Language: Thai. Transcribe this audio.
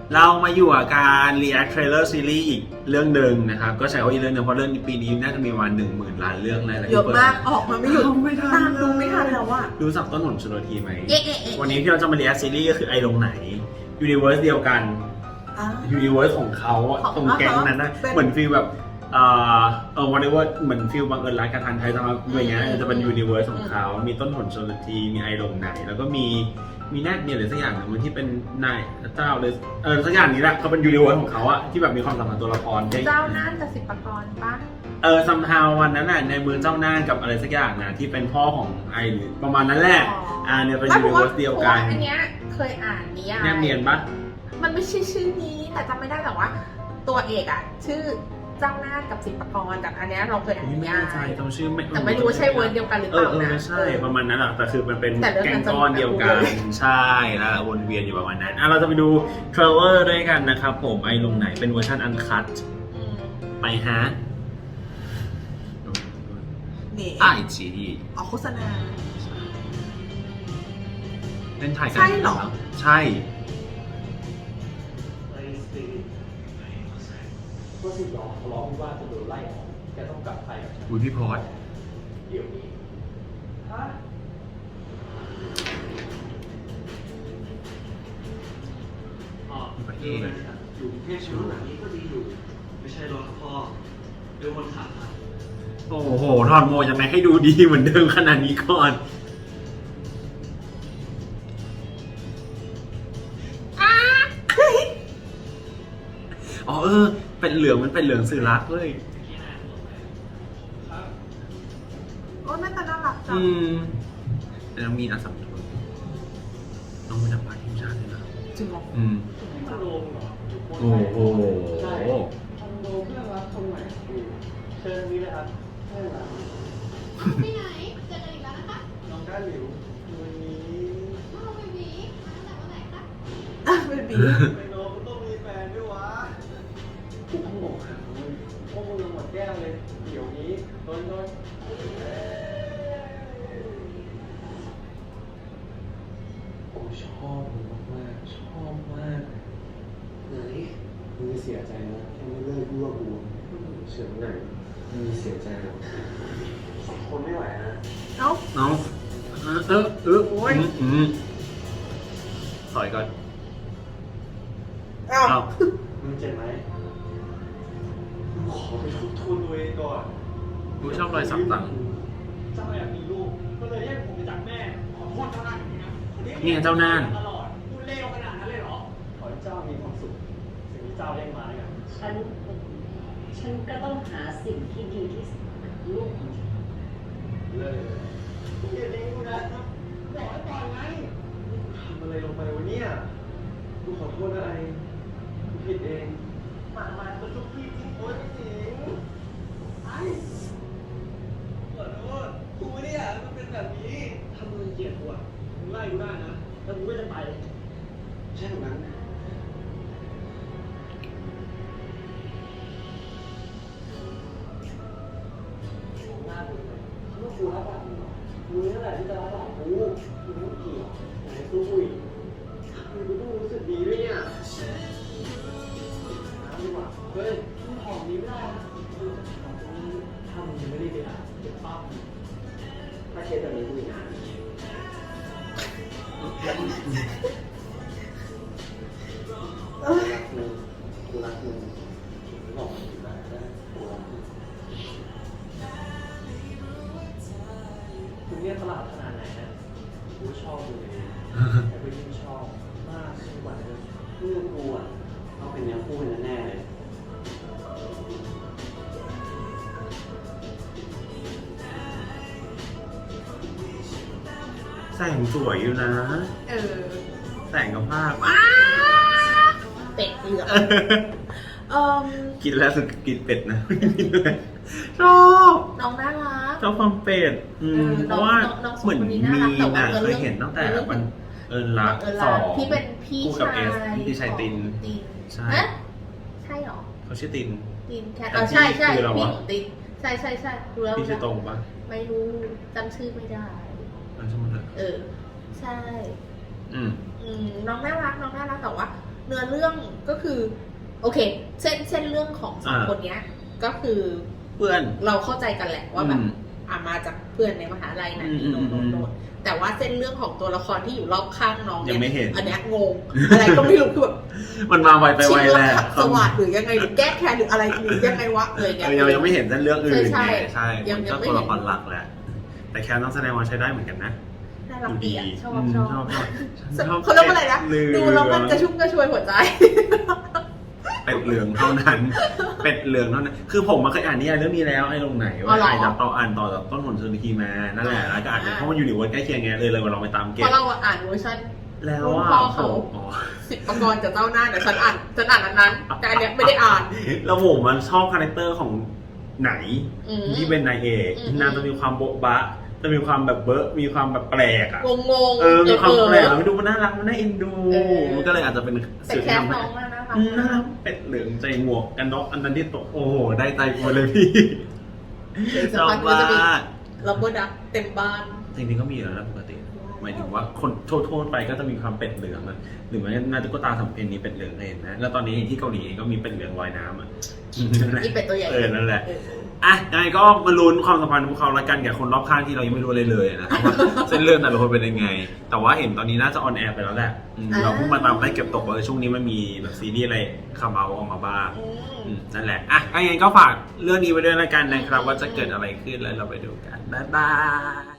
เรามาอยู่กับการ react trailer series อีกเรื่องหนึ่งนะครับก็ใช้ว่าอีกเรื่องหนึงเพราะเรื่องปีนี้น่าจะมีประมาณ10,000 ล้านเรื่องอะไรเยอะมากออกมาไม่หยุดไม่ทันตามดูไม่ทันแล้วอะรู้จักต้นหนชลทีไหมเอ๊ะวันนี้ที่เราจะมา react series ก็คือไอลงไหน universe เดียวกัน universe ของเขาอะตรงแก๊งนั้นนะเหมือนฟีลแบบวันนี้ว่าเหมือนฟีลบังเอิญรักกันทันไทยจะมาอย่างเงี้ยจะเป็น universe ของเขามีต้นหนชลทีมีไอลงไหนแล้วก็มีแนทเนี่ยหรือสักอย่างหนึ่งมันที่เป็นนายเจ้าเลยสักอย่างนี้แหละเขาเป็นยูนิเวิร์สของเขาอะที่แบบมีความสัมพันธ์ตัวละครเจ้าน่านกับสิบปกรณ์ปะซัมฮาววันนั้นน่ะในมือเจ้าน่านกับอะไรสักอย่างนะที่เป็นพ่อของไอหรือประมาณนั้นแหละเนี่ยเป็นยูนิเวิร์สเดียวกันอันเนี้ยเคยอ่านนิยายแนบเนียนปะมันไม่ใช่ชื่อนี้แต่จำไม่ได้แต่ว่า ตัวเอกอะชื่อเจ้าน่านกับสิบปกรณ์แต่อันเนี้ยเราเคยอ่านนิไม่ยาแน่ใจยจำชื่อไม่แต่ไม่รู้ว่าใช่เวิร์ดเดียวกันหรือเปล่านะใช่ประมาณนั้นแหละแต่คือมันเป็นแต่เรื่องแกนั้งนจะก้อนเดียวกันใช่แล้ววนเวียนอยู่ประมาณนั้นเราจะไปดูเทรลเลอร์ด้วยกันนะครับผมไอลงไหนเป็นเวอร์ชันอันคัตไปฮะนี่ไอจีออกโฆษณาเล่นถ่ายกันใช่เหรอใช่ก็สิบล้อทะเลาะว่าจะโดนไล่ออกแกต้องกลับไทยกับฉันอุ้ยพี่พอดเดี๋ยวนี้ฮะประเทดีศนะอยู่กรุงเทพชีวิตหลังนี้ก็ดีอยู่ ไม่ใช่รถครับพ่อเรื่องคนขับครับโอ้โหทอนโมยังไงให้ดูดีเหมือนเดิมขนาดนี้ก่อน อ๋อเป็นเหลืองมันเป็นเหลืองสื่อรักเลยโอ้ยน่าจะน่ารักจังแต่น้องมีนอาสัมทุนน้องเป็นนักบาสทีมชาติเลยนะจริงเหรอนี่มันโดมเหรอโอ้โหใช่คอนโดเพื่อนรักคนใหม่อยู่เชิญนี้เลยครับเพื่อนรักไปไหนเจอกันอีกแล้วนะคะน้องก้าหลิววันนี้อ้าวเบบีมาตั้งแต่วันไหนคะอ่ะเบบีไอ้น้องมันต้องมีแฟนด้วยวะกูต้องบอกหามึงพวกมึงยังหมดแก้วเลย เดี๋ยวนี้โดนผมชอบมึงมากๆชอบมากไหนมึงเสียใจนะแค่ไม่เลิกยั่วกูเฉินไหนมึงเสียใจหรอสองคนไม่ไหวนะเอ้าน้องโอ้ยถอยก่อนเอ้าเอามึงเจ็บไหมมึงขอไปทบทวนตัวเองก่อนดูชอบรอยสักต่างเจ้าอยากมีลูก ก็เลยแยกผมไปจากแม่ ขอโทษเจ้าหน้าอย่างนี้นะนี่ไงเจ้าน่านตลอดพูดเลวขนาดนั้นเลยเหรอ ขอให้เจ้ามีความสุข สิ่งที่เจ้าเรียกมาแล้วกันฉันก็ต้องหาสิ่งที่ดีที่สุดกับลูกของฉันเลยมึงอย่าเลี้ยงกูนะบอกให้ปล่อยไงทำอะไรลงไปวะเนี่ยกูขอโทษนะไอ้กูผิดเองมาก็ทุกที่จริงโอ๊ยไม่จริงไอ้ขอโทษกูไม่ได้อยากให้มันเป็นแบบนี้ถ้ามึงเกลียดกูอ่ะมึงไล่กูได้นะแล้วกูก็จะไปใช่ตรงนั้นหน้ากูเลยคิดว่ากูรับหลังมึงเหรอมึงนั่นแหละที่จะรับหลังกูมึงไม่เกี่ยวไหนสู้กูอีกมึงกูต้องรู้สึกดีด้วยเนี่ยน้ำดีกว่าเฮ้ยมึงหอมนี้ไม่ได้นะถ้ามึงยังไม่ได้ไปอ่านเดี๋ยวปั๊บถ้าเคสแบบนี้กูอีกนานกูรักมึงกูบอกมึงอยู่แล้วนะกูรักมึงคุณเนี่ยตลาดขนาดไหนนะกูชอบมึงเลยแต่ก็ยิ่งชอบมากขึ้นกว่าเดิมเรื่องกูอ่ะต้องเป็นเนื้อคู่กันแน่เลยแสงสวยอยู่นะ แสงกับภาพเป็ดเหลืองกินแล้วสุดกินเป็ดนะ ชอบน้องน่ารักชอบความเป็ดเพราะว่าน้องสองเหมือนคนนี้มีน่ารักแต่ว่าเคยเห็นตั้งแต่วันรักเสองที่เป็นพี่คู่กับชายเอสพี่ชายตินตินใช่เอ๊ะใช่เหรอเขาชื่อตินตินแคทแต่ใช่ใช่พี่คือเราพี่วะของตินใช่ดูแล้วพี่ชื่อตรงปะไม่รู้จำชื่อไม่ได้มันชื่อมันเถอะใช่อืมน้องน่ารักแต่ว่าเนื้อเรื่องก็คือโอเคเส้นเรื่องของสองคนเนี้ยก็คือเพื่อนเราเข้าใจกันแหละว่าแบบมาจากเพื่อนในมหาลัยนะโน่นแต่ว่าเส้นเรื่องของตัวละครที่อยู่รอบข้างน้องยังไม่เห็นอันเนี้ยงงอะไรก็ไม่รู้คือแบบมันมาไวไปไวแหละสวัสดหรือยังไงหรือแก้แค้นหรืออะไรหรือยังไงวะเลยเนี่ยยังไม่เห็นเส้นเรื่องอื่นใช่ไงใช่ยังมันก็ไม่ตัวเห็นละครหลักแหละแต่แค่ต้องแสดงว่าใช้ได้เหมือนกันนะน่ารักดีอะชอบชอบเขาเรียกว่าอะไรนะเป็ดดูแล้วมันกระชุ่มกระชวยหัวใจเป็ดเหลืองเท่านั้น เป็ดเหลืองเท่านั้น คือผมมาเคยอ่านนิยายเรื่องนี้แล้วไอ้ลงไหนอ๋ว่าอเหรออ่านต่อจากต้นหนชนทีมานั่นแหละแล้วก็อ่านเพราะมันอยู่ในวันใกล้เคียงไงเลยมาลองไปตามเก็เพบราะเราอ่านเวอร์ชันแล้วรุ่นอ่ะพ่อเขาอ๋อสิบประกรณ์กับเจ้าหน้าแต่ฉันอ่านอันนั้นแต่อันเนี้ยไม่ได้อ่านแล้วผมมันชอบคาแรคเตอร์ของไหนอืมที่เป็นนายเอกอืมนางจะมีความโบ๊ะบะจะมีความแบบเบอะมีความแบบแปลกอ่ะงงมีความแปลกมันดูมันน่ารักมันน่าเอ็นดู มันก็เลยอาจจะเป็นแต่สื่อแคที่สทำให้น้องน่ารักน่ารักเป็ดเหลืองใจหมวกกันน็อกอันนั้นที่ตกโอ้โหได้ใจกูเลยพี่เดี๋ยวชสักอบพักก็จะมีมากลับเบอร์ดักเต็มบ้านจริงๆก็มีแล้วนะปกติหมายถึงว่าคนโทษไปก็จะมีความเป็ดเหลืองอะหรือแม้น่าตุ๊กตาสำเพ็ญนี้เป็ดเหลืองเห็นนะแล้วตอนนี้ที่เกาหลีเองก็มีเป็ดเหลืองลอยน้ำอ่ะอีเป็ดตัวใหญ่นั่นแหละอ่ะยังไงก็มาลุ้นความสัมพันธ์ของเขาละกันกับคนรอบข้างที่เรายังไม่รู้เลยนะครับว่าเส้นเรื่องแต่ละคนเป็นยังไง แต่ว่าเห็นตอนนี้น่าจะออนแอร์ไปแล้วแหละเราเพิ่งมาตามได้เก็บตกว่าช่วงนี้มันมีแบบซีรีส์อะไรคำเอาออกมาบ้างนั่นแหละอ่ะยังไงก็ฝากเรื่องนี้ไว้ด้วยละกันนะครับว่าจะเกิดอะไรขึ้นแล้วเราไปดูกันบ๊ายบาย